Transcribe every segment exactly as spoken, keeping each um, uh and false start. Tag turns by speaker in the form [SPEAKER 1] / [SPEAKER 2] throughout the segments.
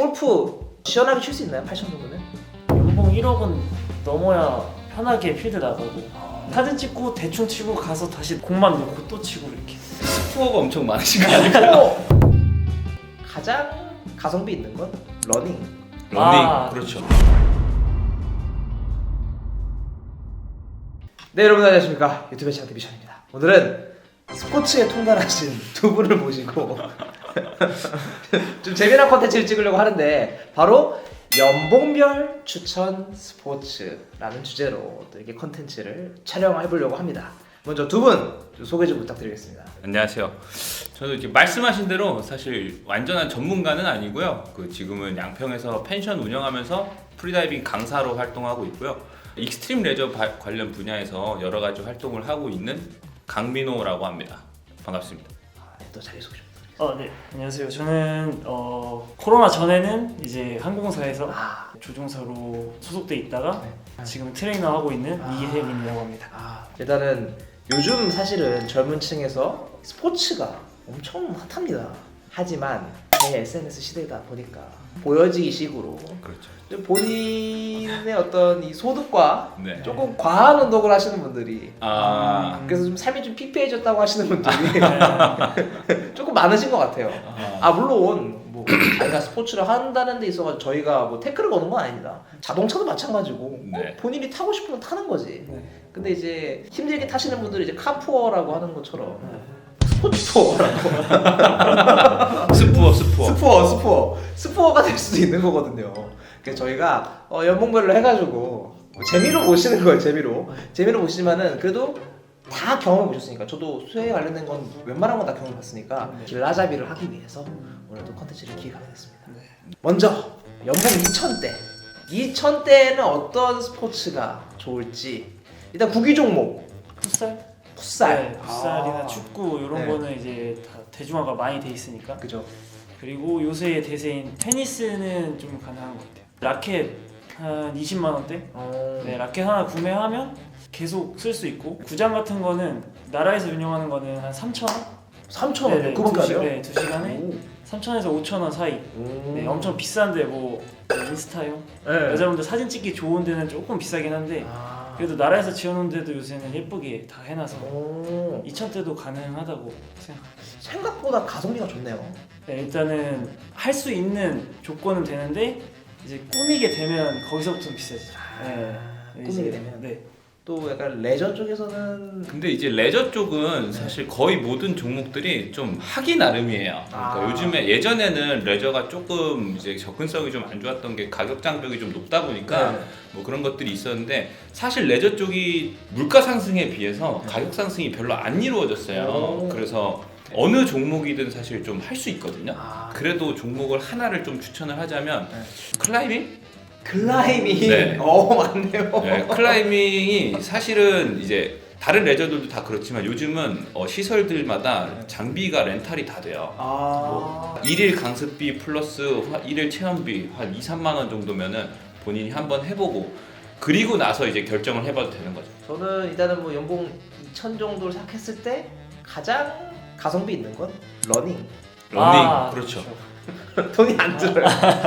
[SPEAKER 1] 골프 시원하게 칠 수 있나요? 팔천 정도면?
[SPEAKER 2] 연봉 일억은 넘어야 편하게 필드 나가고 사진 찍고 대충 치고 가서 다시 공만 놓고 또 치고 이렇게.
[SPEAKER 3] 스코어가 엄청 많으신 거 아닐까요?
[SPEAKER 1] 가장 가성비 있는 건 러닝.
[SPEAKER 3] 러닝.
[SPEAKER 2] 아,
[SPEAKER 3] 그렇죠.
[SPEAKER 1] 네, 여러분 안녕하십니까. 유튜브 채널 디비션입니다. 오늘은 스포츠에 통달하신 두 분을 모시고 좀 재미난 컨텐츠를 찍으려고 하는데, 바로 연봉별 추천 스포츠라는 주제로 또 이렇게 컨텐츠를 촬영해 보려고 합니다. 먼저 두 분 소개 좀 부탁드리겠습니다.
[SPEAKER 3] 안녕하세요. 저도 이제 말씀하신 대로 사실 완전한 전문가는 아니고요. 그 지금은 양평에서 펜션 운영하면서 프리다이빙 강사로 활동하고 있고요. 익스트림 레저 바, 관련 분야에서 여러 가지 활동을 하고 있는 강민호라고 합니다. 반갑습니다.
[SPEAKER 1] 아, 네, 또 자기소개 좀 부탁드리겠습니다.
[SPEAKER 2] 어, 네. 안녕하세요. 저는 어, 코로나 전에는 이제 항공사에서
[SPEAKER 1] 아,
[SPEAKER 2] 조종사로 소속돼 있다가
[SPEAKER 1] 네.
[SPEAKER 2] 지금 트레이너 하고 있는
[SPEAKER 1] 아.
[SPEAKER 2] 이혜민이라고 합니다.
[SPEAKER 1] 아, 일단은 요즘 사실은 젊은 층에서 스포츠가 엄청 핫합니다. 하지만 제 에스엔에스 시대다 보니까 보여지기 식으로
[SPEAKER 3] 그렇죠.
[SPEAKER 1] 좀 본인의 어떤 이 소득과
[SPEAKER 3] 네.
[SPEAKER 1] 조금 과한 운동을 하시는 분들이,
[SPEAKER 3] 아,
[SPEAKER 1] 그래서 좀 삶이 좀 피폐해졌다고 하시는 분들이 조금 많으신 것 같아요.
[SPEAKER 3] 아,
[SPEAKER 1] 아, 물론 뭐 자기가 스포츠를 한다는 데 있어서 저희가 뭐 태클을 거는 건 아닙니다. 자동차도 마찬가지고
[SPEAKER 3] 네.
[SPEAKER 1] 어, 본인이 타고 싶으면 타는 거지.
[SPEAKER 2] 네.
[SPEAKER 1] 근데 이제 힘들게 타시는 분들이 이제 카푸어라고 하는 것처럼
[SPEAKER 2] 네.
[SPEAKER 1] 스포츠푸어라고
[SPEAKER 3] 스푸어 스푸어.
[SPEAKER 1] 스푸어 스푸어 스푸어가 될 수도 있는 거거든요. 그래서 저희가 어, 연봉별로 해가지고 뭐 재미로 보시는 거예요. 재미로 재미로 보시지만은 그래도 다 경험해 보셨으니까, 저도 수혜에 관련된 건 웬만한 건 다 경험해 봤으니까
[SPEAKER 2] 네.
[SPEAKER 1] 길라잡이를 하기 위해서 오늘도 컨텐츠를 기획하게 됐습니다.
[SPEAKER 2] 네.
[SPEAKER 1] 먼저 연봉 이천 대 이천 대에는 어떤 스포츠가 좋을지, 일단 구기 종목
[SPEAKER 2] 풋살?
[SPEAKER 1] 풋살.
[SPEAKER 2] 네, 풋살이나
[SPEAKER 1] 아.
[SPEAKER 2] 축구 이런
[SPEAKER 1] 네.
[SPEAKER 2] 거는 이제 다 대중화가 많이 돼 있으니까.
[SPEAKER 1] 그죠.
[SPEAKER 2] 그리고 요새 대세인 테니스는 좀 가능한 것 같아요. 라켓 한 이십만 원대?
[SPEAKER 1] 어...
[SPEAKER 2] 네, 라켓 하나 구매하면 계속 쓸 수 있고, 구장 같은 거는 나라에서 운영하는 거는 한 삼천 원?
[SPEAKER 1] 삼천 원.
[SPEAKER 2] 네,
[SPEAKER 1] 그거밖에
[SPEAKER 2] 두
[SPEAKER 1] 안
[SPEAKER 2] 시-
[SPEAKER 1] 해요?
[SPEAKER 2] 네, 두 시간에
[SPEAKER 1] 오.
[SPEAKER 2] 삼천에서 오천 원 사이.
[SPEAKER 1] 오.
[SPEAKER 2] 네, 엄청 비싼데 뭐 인스타용?
[SPEAKER 1] 네.
[SPEAKER 2] 여자분들 사진 찍기 좋은 데는 조금 비싸긴 한데,
[SPEAKER 1] 아.
[SPEAKER 2] 그래도 나라에서 지어놓은 데도 요새는 예쁘게 다 해놔서
[SPEAKER 1] 오.
[SPEAKER 2] 이천 대도 가능하다고 생각합니다.
[SPEAKER 1] 생각보다 가성비가 좋네요.
[SPEAKER 2] 네, 일단은 할 수 있는 조건은 되는데 이제 꾸미게 되면 거기서부터 비싸지죠. 네.
[SPEAKER 1] 꾸미게
[SPEAKER 2] 이제-
[SPEAKER 1] 되면.
[SPEAKER 2] 네.
[SPEAKER 1] 또 약간 레저 쪽에서는
[SPEAKER 3] 근데 이제 레저 쪽은 사실 거의 모든 종목들이 좀 하기 나름이에요. 그러니까
[SPEAKER 1] 아.
[SPEAKER 3] 요즘에 예전에는 레저가 조금 이제 접근성이 좀 안 좋았던 게 가격 장벽이 좀 높다 보니까
[SPEAKER 1] 네.
[SPEAKER 3] 뭐 그런 것들이 있었는데, 사실 레저 쪽이 물가 상승에 비해서
[SPEAKER 1] 네.
[SPEAKER 3] 가격 상승이 별로 안 이루어졌어요.
[SPEAKER 1] 오.
[SPEAKER 3] 그래서 어느 종목이든 사실 좀 할 수 있거든요.
[SPEAKER 1] 아.
[SPEAKER 3] 그래도 종목을 하나를 좀 추천을 하자면
[SPEAKER 1] 네.
[SPEAKER 3] 클라이밍?
[SPEAKER 1] 클라이밍.
[SPEAKER 3] 네.
[SPEAKER 1] 어, 맞네요.
[SPEAKER 3] 네, 클라이밍이 사실은 이제 다른 레저들도 다 그렇지만 요즘은 어, 시설들마다 장비가 렌탈이 다 돼요.
[SPEAKER 1] 아.
[SPEAKER 3] 일일 강습비 플러스 일일 체험비 한 이, 삼만 원 정도면은 본인이 한번 해보고 그리고 나서 이제 결정을 해봐도 되는 거죠.
[SPEAKER 1] 저는 일단은 뭐 연봉 이천 정도를 생각했을 때 가장 가성비 있는 건 러닝.
[SPEAKER 3] 러닝,
[SPEAKER 2] 아,
[SPEAKER 3] 그렇죠.
[SPEAKER 1] 돈이 안 들어요.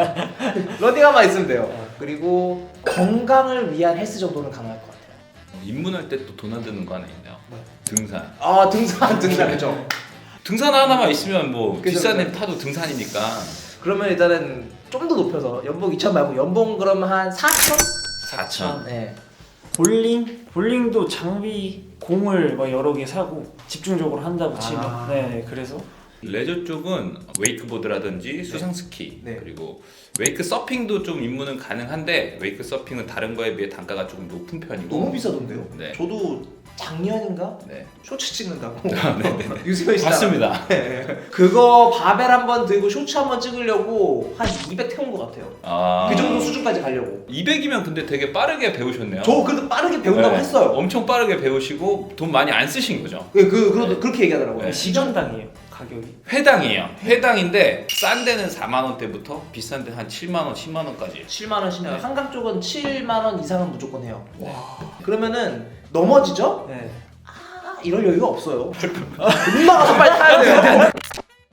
[SPEAKER 1] 러닝화만 있으면 돼요. 그리고 건강을 위한 헬스 정도는 가능할 것 같아요.
[SPEAKER 3] 입문할 때 또 돈 안 드는 거 하나 있네요.
[SPEAKER 1] 뭐?
[SPEAKER 3] 등산.
[SPEAKER 1] 아, 등산, 등산 그죠.
[SPEAKER 3] 등산 하나만 있으면 뭐
[SPEAKER 1] 그죠,
[SPEAKER 3] 비싼 애
[SPEAKER 1] 그죠.
[SPEAKER 3] 타도 등산이니까.
[SPEAKER 1] 그러면 일단은 좀 더 높여서 연봉 이천 말고 연봉 그러면 한 사천?
[SPEAKER 3] 사천.
[SPEAKER 1] 네.
[SPEAKER 2] 볼링? 볼링도 장비 공을 막 여러 개 사고 집중적으로 한다고 치면
[SPEAKER 1] 아.
[SPEAKER 2] 네, 그래서
[SPEAKER 3] 레저 쪽은 웨이크보드라든지 수상 스키,
[SPEAKER 1] 네.
[SPEAKER 3] 그리고 웨이크 서핑도 좀 입문은 가능한데 웨이크 서핑은 다른 거에 비해 단가가 조금 높은 편이고.
[SPEAKER 1] 너무 비싸던데요?
[SPEAKER 3] 네.
[SPEAKER 1] 저도 작년인가
[SPEAKER 3] 네.
[SPEAKER 1] 쇼츠 찍는다고 유세현 씨
[SPEAKER 3] 맞습니다.
[SPEAKER 1] 그거 바벨 한번 들고 쇼츠 한번 찍으려고 한 이백 태운 것 같아요.
[SPEAKER 3] 아.
[SPEAKER 1] 그 정도 수준까지 가려고.
[SPEAKER 3] 이백이면 근데 되게 빠르게 배우셨네요.
[SPEAKER 1] 저 그래도 빠르게 배운다고
[SPEAKER 3] 네.
[SPEAKER 1] 했어요.
[SPEAKER 3] 엄청 빠르게 배우시고 돈 많이 안 쓰신 거죠.
[SPEAKER 1] 그, 그, 그,
[SPEAKER 3] 네.
[SPEAKER 1] 그렇게 얘기하더라고요.
[SPEAKER 3] 네.
[SPEAKER 2] 시간당이에요 가격이.
[SPEAKER 3] 회당이에요. 회당인데 싼 데는 사만 원대부터 비싼 데 한 칠만 원, 십만 원까지.
[SPEAKER 1] 칠만 원씩면
[SPEAKER 3] 네.
[SPEAKER 1] 한강 쪽은 칠만 원 이상은 무조건 해요. 그러면은 넘어지죠?
[SPEAKER 2] 네.
[SPEAKER 1] 아, 이럴 여유가 없어요. 금방 가서 빨리 타야 돼요.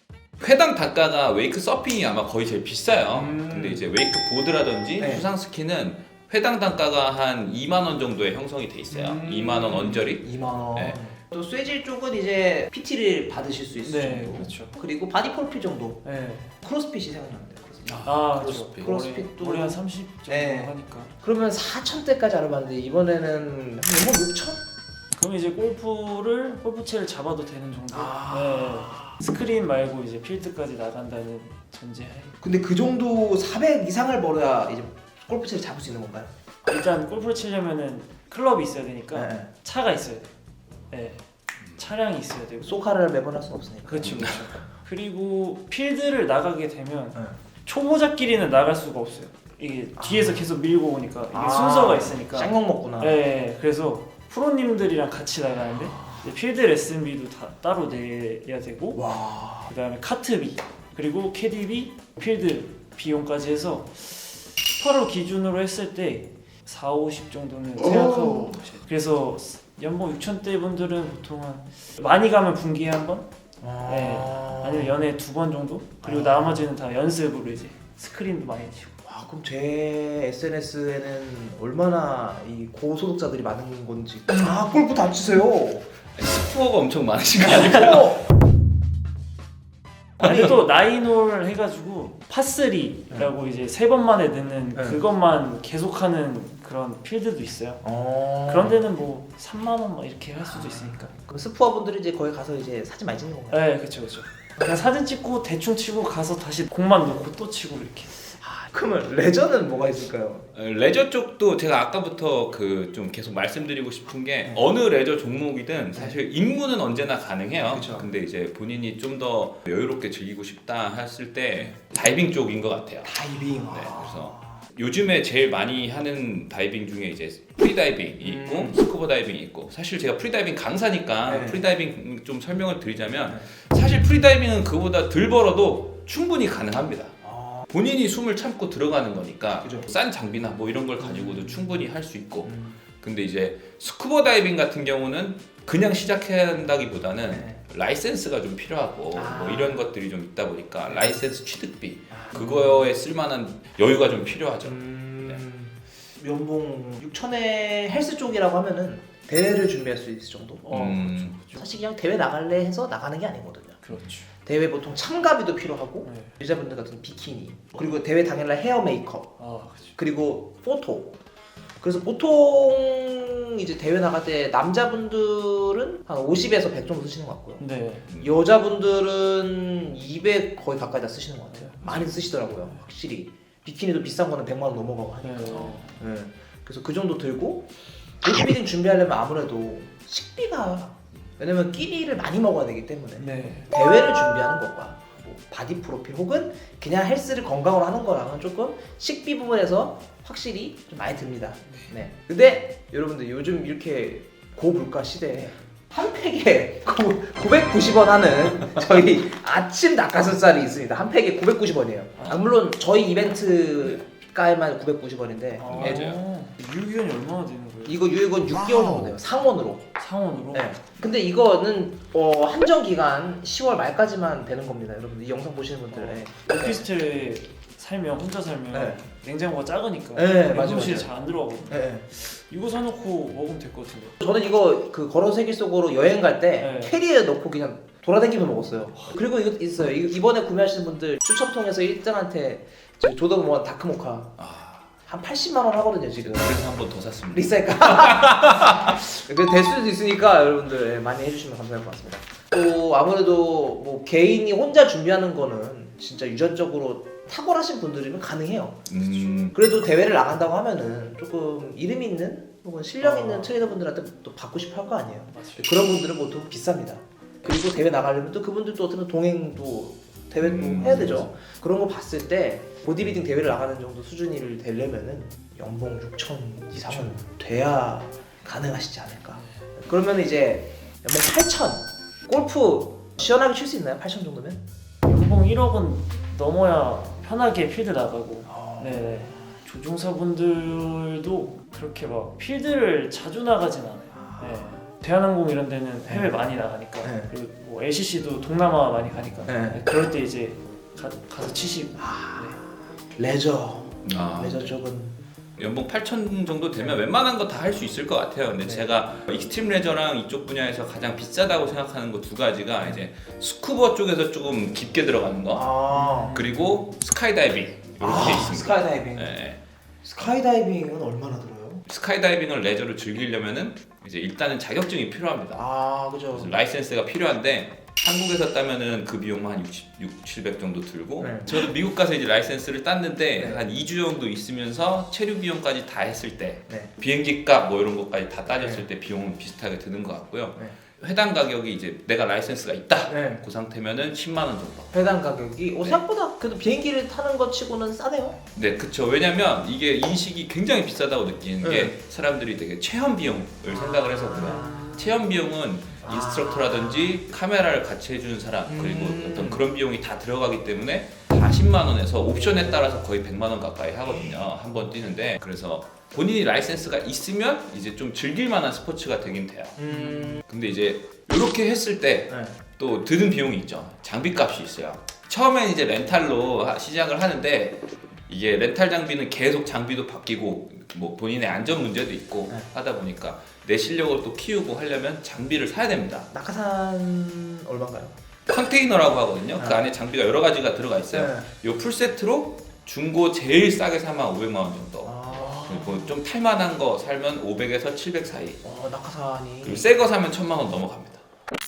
[SPEAKER 3] 회당 단가가 웨이크 서핑이 아마 거의 제일 비싸요.
[SPEAKER 1] 음.
[SPEAKER 3] 근데 이제 웨이크 보드라든지
[SPEAKER 1] 네.
[SPEAKER 3] 수상 스키는 회당 단가가 한 이만 원 정도에 형성이 돼 있어요.
[SPEAKER 1] 음.
[SPEAKER 3] 이만 원 언저리.
[SPEAKER 1] 이만 원.
[SPEAKER 3] 네.
[SPEAKER 1] 또 쇠질 쪽은 이제 피티를 받으실 수 있을
[SPEAKER 2] 네,
[SPEAKER 1] 정도.
[SPEAKER 2] 그렇죠.
[SPEAKER 1] 그리고 바디 프로필 정도.
[SPEAKER 2] 네.
[SPEAKER 1] 크로스핏이 생각나는데. 크로스핏.
[SPEAKER 2] 아,
[SPEAKER 3] 크로스핏.
[SPEAKER 2] 그렇죠.
[SPEAKER 1] 크로스핏도-
[SPEAKER 2] 머리 한 삼십 정도
[SPEAKER 1] 네.
[SPEAKER 2] 하니까.
[SPEAKER 1] 그러면 사천대까지 알아봤는데 이번에는 한 연봉 육천?
[SPEAKER 2] 그럼 이제 골프를 골프채를 잡아도 되는 정도.
[SPEAKER 1] 아.
[SPEAKER 2] 네. 스크린 말고 이제 필드까지 나간다는 전제하에
[SPEAKER 1] 근데 그 정도 사백 이상을 벌어야 이제 골프채를 잡을 수 있는 건가요?
[SPEAKER 2] 일단 골프를 치려면은 클럽이 있어야 되니까
[SPEAKER 1] 네.
[SPEAKER 2] 차가 있어야 돼. 네. 차량이 있어야 되고.
[SPEAKER 1] 소카를 매번 할 수는 없으니까.
[SPEAKER 2] 그렇죠, 그렇죠. 그리고 필드를 나가게 되면
[SPEAKER 1] 네.
[SPEAKER 2] 초보자끼리는 나갈 수가 없어요. 이게 뒤에서 계속 밀고 오니까 이게
[SPEAKER 1] 아.
[SPEAKER 2] 순서가 있으니까.
[SPEAKER 1] 쌍욕 먹구나.
[SPEAKER 2] 네, 그래서 프로님들이랑 같이 나가는데 이제 필드 레슨비도 다 따로 내야 되고,
[SPEAKER 1] 와.
[SPEAKER 2] 그다음에 카트비, 그리고 캐디비, 필드 비용까지 해서 스파로 기준으로 했을 때 사오십 정도는 생각하고 가셔야 돼요. 그래서 연봉 육천대 분들은 보통 한 많이 가면 분기에 한 번,
[SPEAKER 1] 아.
[SPEAKER 2] 네. 아니면 연애 두 번 정도, 그리고 나머지는 다 연습으로 이제 스크린도 많이 치고.
[SPEAKER 1] 와, 그럼 제 에스엔에스에는 얼마나 이 고소득자들이 많은 건지. 아, 골프 다 치세요.
[SPEAKER 3] 스코어가 엄청 많으신 거 아니에요?
[SPEAKER 2] 아니 또 나인홀 해가지고 파쓰리라고 이제 세 번 만에 넣는
[SPEAKER 1] 네.
[SPEAKER 2] 그것만 계속하는 그런 필드도 있어요.
[SPEAKER 1] 어.
[SPEAKER 2] 그런 데는 뭐 삼만 원 막 이렇게 할 수도 있으니까.
[SPEAKER 1] 그럼 스푸어 분들이 이제 거기 가서 이제 사진 많이 찍는 건가요?
[SPEAKER 2] 네, 그렇죠, 그렇죠. 그냥 사진 찍고 대충 치고 가서 다시 공만 놓고 또 치고 이렇게.
[SPEAKER 1] 아, 그러면 레저는 뭐가 있을까요?
[SPEAKER 3] 어, 레저 쪽도 제가 아까부터 그 좀 계속 말씀드리고 싶은 게 어느 레저 종목이든 사실 입문은 언제나 가능해요.
[SPEAKER 1] 그쵸.
[SPEAKER 3] 근데 이제 본인이 좀 더 여유롭게 즐기고 싶다 했을 때 다이빙 쪽인 것 같아요.
[SPEAKER 1] 다이빙.
[SPEAKER 3] 네, 그래서 요즘에 제일 많이 하는 다이빙 중에 이제 프리다이빙이 있고
[SPEAKER 1] 음.
[SPEAKER 3] 스쿠버 다이빙이 있고, 사실 제가 프리다이빙 강사니까
[SPEAKER 1] 네.
[SPEAKER 3] 프리다이빙 좀 설명을 드리자면 사실 프리다이빙은 그보다 덜 벌어도 충분히 가능합니다.
[SPEAKER 1] 아.
[SPEAKER 3] 본인이 숨을 참고 들어가는 거니까
[SPEAKER 1] 그죠.
[SPEAKER 3] 싼 장비나 뭐 이런 걸 가지고도 충분히 할 수 있고,
[SPEAKER 1] 음.
[SPEAKER 3] 근데 이제 스쿠버 다이빙 같은 경우는 그냥 시작해야 한다기보다는
[SPEAKER 1] 네.
[SPEAKER 3] 라이센스가 좀 필요하고
[SPEAKER 1] 아.
[SPEAKER 3] 뭐 이런 것들이 좀 있다 보니까 라이센스 취득비
[SPEAKER 1] 아.
[SPEAKER 3] 그거에 쓸만한 여유가 좀 필요하죠.
[SPEAKER 1] 음. 연봉 육천에 헬스 쪽이라고 하면은 대회를 준비할 수 있을 정도?
[SPEAKER 2] 어,
[SPEAKER 3] 음.
[SPEAKER 2] 그렇죠,
[SPEAKER 1] 사실 그냥 대회 나갈래 해서 나가는 게 아니거든요.
[SPEAKER 2] 그렇죠.
[SPEAKER 1] 대회 보통 참가비도 필요하고
[SPEAKER 2] 네.
[SPEAKER 1] 여자분들 같은 비키니, 그리고 대회 당일날 헤어 메이크업,
[SPEAKER 2] 아, 그렇죠.
[SPEAKER 1] 그리고 포토. 그래서 보통 이제 대회 나갈 때 남자분들은 한 오십에서 백 정도 쓰시는 것 같고요.
[SPEAKER 2] 네.
[SPEAKER 1] 여자분들은 이백 거의 가까이 다 쓰시는 것 같아요. 많이 쓰시더라고요, 확실히. 비키니도 비싼 거는 백만 원 넘어가고 하니까.
[SPEAKER 2] 네.
[SPEAKER 1] 네. 그래서 그 정도 들고 보디빌딩 준비하려면 아무래도 식비가, 왜냐면 끼니를 많이 먹어야 되기 때문에
[SPEAKER 2] 네.
[SPEAKER 1] 대회를 준비하는 것과 뭐 바디 프로필 혹은 그냥 헬스를 건강으로 하는 거랑은 조금 식비 부분에서 확실히 좀 많이 듭니다. 네. 근데 여러분들 요즘 이렇게 고물가 시대에 한 팩에 구백구십 원 하는 저희 아침 닭가슴살이 있습니다. 한 팩에 구백구십 원이에요. 아, 물론 저희 이벤트가에만 구백구십 원인데
[SPEAKER 2] 아,
[SPEAKER 3] 맞아요.
[SPEAKER 2] 유기견이 얼마나 되는 거예요?
[SPEAKER 1] 이거 유액은 육 개월 정도 돼요. 상원으로.
[SPEAKER 2] 상원으로?
[SPEAKER 1] 네. 근데 이거는 어, 한정 기간 시월 말까지만 되는 겁니다, 여러분들. 이 영상 보시는 분들. 네.
[SPEAKER 2] 오피스텔에 살면 혼자 살면
[SPEAKER 1] 네.
[SPEAKER 2] 냉장고가 작으니까
[SPEAKER 1] 네, 맞아요,
[SPEAKER 2] 냉동실에
[SPEAKER 1] 맞아요.
[SPEAKER 2] 잘 안 들어가거든요.
[SPEAKER 1] 네.
[SPEAKER 2] 이거 사놓고 먹으면 될 것 같은데.
[SPEAKER 1] 저는 이거 그 걸어 세계 속으로 여행 갈 때
[SPEAKER 2] 네.
[SPEAKER 1] 캐리어에 넣고 그냥 돌아다니면서 먹었어요. 그리고 이거 있어요. 이- 이번에 구매하시는 분들 추첨 통해서 일 등한테 조던 원 다크모카
[SPEAKER 3] 아,
[SPEAKER 1] 한 팔십만 원 하거든요 지금.
[SPEAKER 3] 그래서 한 번 더 샀습니다.
[SPEAKER 1] 리사이클. 그될 수도 있으니까 여러분들 예, 많이 해주시면 감사할 것 같습니다. 또 아무래도 뭐 개인이 혼자 준비하는 거는 진짜 유전적으로 탁월하신 분들이면 가능해요.
[SPEAKER 3] 음,
[SPEAKER 1] 그래도 대회를 나간다고 하면은 조금 이름 있는 혹은 실력 있는
[SPEAKER 2] 어.
[SPEAKER 1] 트레이너분들한테 또 받고 싶어 할 거 아니에요.
[SPEAKER 2] 맞아요.
[SPEAKER 1] 그런 분들은 보통 비쌉니다. 그리고 대회 나가려면 또 그분들도 어떻게 보면 동행도 대회도
[SPEAKER 3] 음,
[SPEAKER 1] 해야 되죠. 그런 거 봤을 때 보디빌딩 대회를 나가는 정도 수준이 되려면은 연봉 육천 이상은 돼야 가능하시지 않을까. 그러면 이제 연봉 팔천, 골프 시원하게 칠 수 있나요? 팔천 정도면?
[SPEAKER 2] 연봉 일억은 넘어야 편하게 필드 나가고.
[SPEAKER 1] 아.
[SPEAKER 2] 네. 조종사분들도 그렇게 막 필드를 자주 나가진 않아요. 네. 대한항공 이런 데는 해외 많이 나가니까
[SPEAKER 1] 네.
[SPEAKER 2] 그리고 뭐 엘씨씨도 동남아 많이 가니까
[SPEAKER 1] 네.
[SPEAKER 2] 그럴 때 이제 가, 가서 치시고
[SPEAKER 1] 아, 레저
[SPEAKER 3] 아,
[SPEAKER 1] 레저 쪽은
[SPEAKER 3] 연봉 팔천 정도 되면 웬만한 거 다 할 수 있을 것 같아요. 근데
[SPEAKER 1] 네.
[SPEAKER 3] 제가 익스트림 레저랑 이쪽 분야에서 가장 비싸다고 생각하는 거 두 가지가 이제 스쿠버 쪽에서 조금 깊게 들어가는 거,
[SPEAKER 1] 아,
[SPEAKER 3] 그리고 스카이다이빙 이렇게
[SPEAKER 1] 아
[SPEAKER 3] 있습니다.
[SPEAKER 1] 스카이다이빙.
[SPEAKER 3] 네.
[SPEAKER 1] 스카이다이빙은 얼마나 들어요?
[SPEAKER 3] 스카이다이빙을 레저로 즐기려면은 이제 일단은 자격증이 필요합니다.
[SPEAKER 1] 아 그죠.
[SPEAKER 3] 그래서 라이센스가 필요한데 한국에서 따면은 그 비용만 한 육십, 육백, 칠백 정도 들고
[SPEAKER 1] 네.
[SPEAKER 3] 저도 미국 가서 이제 라이센스를 땄는데
[SPEAKER 1] 네.
[SPEAKER 3] 한 이 주 정도 있으면서 체류 비용까지 다 했을 때
[SPEAKER 1] 네.
[SPEAKER 3] 비행기 값 뭐 이런 것까지 다 따졌을
[SPEAKER 1] 네.
[SPEAKER 3] 때 비용은 비슷하게 드는 것 같고요.
[SPEAKER 1] 네.
[SPEAKER 3] 회당 가격이 이제 내가 라이센스가 있다
[SPEAKER 1] 네.
[SPEAKER 3] 그 상태면은 십만 원 정도.
[SPEAKER 1] 배당 가격이 오,
[SPEAKER 3] 네.
[SPEAKER 1] 생각보다 그래도 비행기를 타는 것 치고는 싸네요.
[SPEAKER 3] 네, 그쵸. 왜냐면 이게 인식이 굉장히 비싸다고 느끼는
[SPEAKER 1] 네.
[SPEAKER 3] 게 사람들이 되게 체험 비용을 생각을 해서 그래요. 체험 비용은
[SPEAKER 1] 아.
[SPEAKER 3] 인스트럭터라든지 카메라를 같이 해주는 사람 그리고
[SPEAKER 1] 음.
[SPEAKER 3] 어떤 그런 비용이 다 들어가기 때문에 사십만 원에서 옵션에 따라서 거의 백만 원 가까이 하거든요. 한 번 뛰는데 그래서 본인이 라이센스가 있으면 이제 좀 즐길 만한 스포츠가 되긴 돼요.
[SPEAKER 1] 음.
[SPEAKER 3] 근데 이제 이렇게 했을 때
[SPEAKER 1] 네.
[SPEAKER 3] 또 드는 비용이 있죠. 장비값이 있어요. 처음엔 이제 렌탈로 하- 시작을 하는데 이게 렌탈 장비는 계속 장비도 바뀌고 뭐 본인의 안전 문제도 있고
[SPEAKER 1] 네.
[SPEAKER 3] 하다 보니까 내 실력을 또 키우고 하려면 장비를 사야 됩니다.
[SPEAKER 1] 낙하산 얼마인가요?
[SPEAKER 3] 컨테이너라고 하거든요. 그
[SPEAKER 1] 네.
[SPEAKER 3] 안에 장비가 여러 가지가 들어가 있어요. 이 풀세트로 중고 제일 싸게 사면 오백만 원 정도.
[SPEAKER 1] 아.
[SPEAKER 3] 그리고 좀 탈만한 거 살면 오백에서 칠백 사이.
[SPEAKER 1] 어, 낙하산이.
[SPEAKER 3] 그리고 새 거 사면 천만 원 넘어갑니다.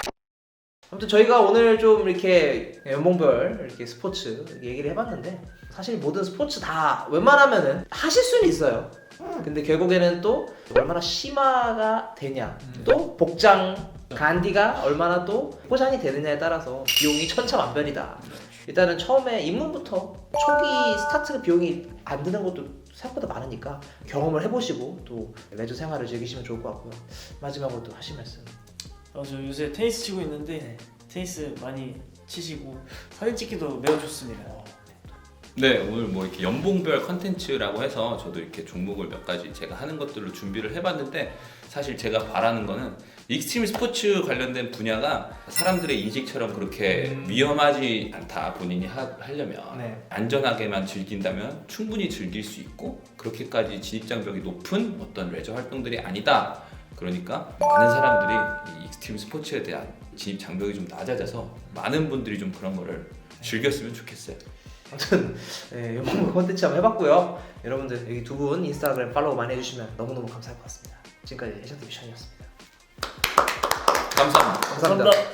[SPEAKER 1] 아무튼 저희가 오늘 좀 이렇게 연봉별 이렇게 스포츠 얘기를 해봤는데 사실 모든 스포츠 다 웬만하면은 하실 수는 있어요. 근데 결국에는 또 얼마나 심화가 되냐, 또 복장 간디가 얼마나 또 포장이 되느냐에 따라서 비용이 천차만별이다. 일단은 처음에 입문부터 초기 스타트 비용이 안 드는 것도 생각보다 많으니까 경험을 해보시고 또 레저 생활을 즐기시면 좋을 것 같고요. 마지막으로 또 하실 말씀.
[SPEAKER 2] 어, 저 요새 테니스 치고 있는데
[SPEAKER 1] 네.
[SPEAKER 2] 테니스 많이 치시고 사진 찍기도 매우 좋습니다.
[SPEAKER 3] 네, 오늘 뭐 이렇게 연봉별 컨텐츠라고 해서 저도 이렇게 종목을 몇 가지 제가 하는 것들로 준비를 해봤는데 사실 제가 바라는 거는 익스트림 스포츠 관련된 분야가 사람들의 인식처럼 그렇게
[SPEAKER 1] 음.
[SPEAKER 3] 위험하지 않다 본인이 하, 하려면
[SPEAKER 1] 네.
[SPEAKER 3] 안전하게만 즐긴다면 충분히 즐길 수 있고 그렇게까지 진입장벽이 높은 어떤 레저 활동들이 아니다. 그러니까 많은 사람들이 이 익스트림 스포츠에 대한 진입 장벽이 좀 낮아져서 많은 분들이 좀 그런 거를 즐겼으면 좋겠어요.
[SPEAKER 1] 아무튼 네, 연봉 콘텐츠 한번 해봤고요. 여러분들 여기 두 분 인스타그램 팔로우 많이 해주시면 너무너무 감사할 것 같습니다. 지금까지 해션티비 션이었습니다.
[SPEAKER 3] 감사합니다.
[SPEAKER 1] 감사합니다.
[SPEAKER 2] 감사합니다.